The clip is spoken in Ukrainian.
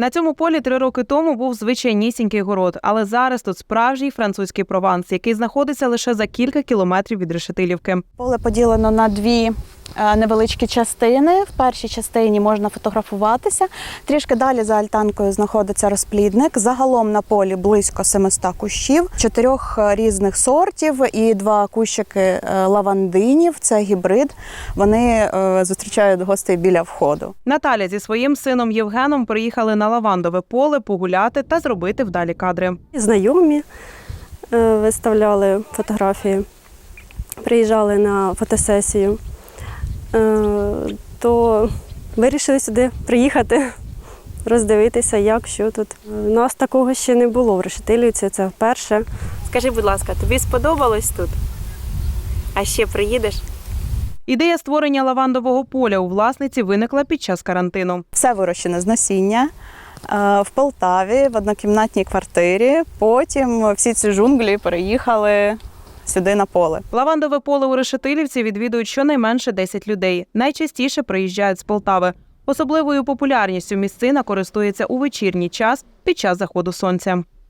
На цьому полі 3 роки тому був звичайнісінький город, але зараз тут справжній французький Прованс, який знаходиться лише за кілька кілометрів від Решетилівки. Поле поділено на дві невеличкі частини. В першій частині можна фотографуватися. Трішки далі за альтанкою знаходиться розплідник. Загалом на полі близько 700 кущів, 4 різних сортів і 2 кущики лавандинів. Це гібрид. Вони зустрічають гостей біля входу. Наталя зі своїм сином Євгеном приїхали на лавандове поле погуляти та зробити вдалі кадри. Знайомі виставляли фотографії, приїжджали на фотосесію, то вирішили сюди приїхати, роздивитися, як, що тут. У нас такого ще не було в Решетилівці, це вперше. Скажи, будь ласка, тобі сподобалось тут? А ще приїдеш? Ідея створення лавандового поля у власниці виникла під час карантину. Все вирощене з насіння в Полтаві, в однокімнатній квартирі. Потім всі ці джунглі переїхали сюди на поле. Лавандове поле у Решетилівці відвідують щонайменше 10 людей. Найчастіше приїжджають з Полтави. Особливою популярністю місцина користується у вечірній час під час заходу сонця.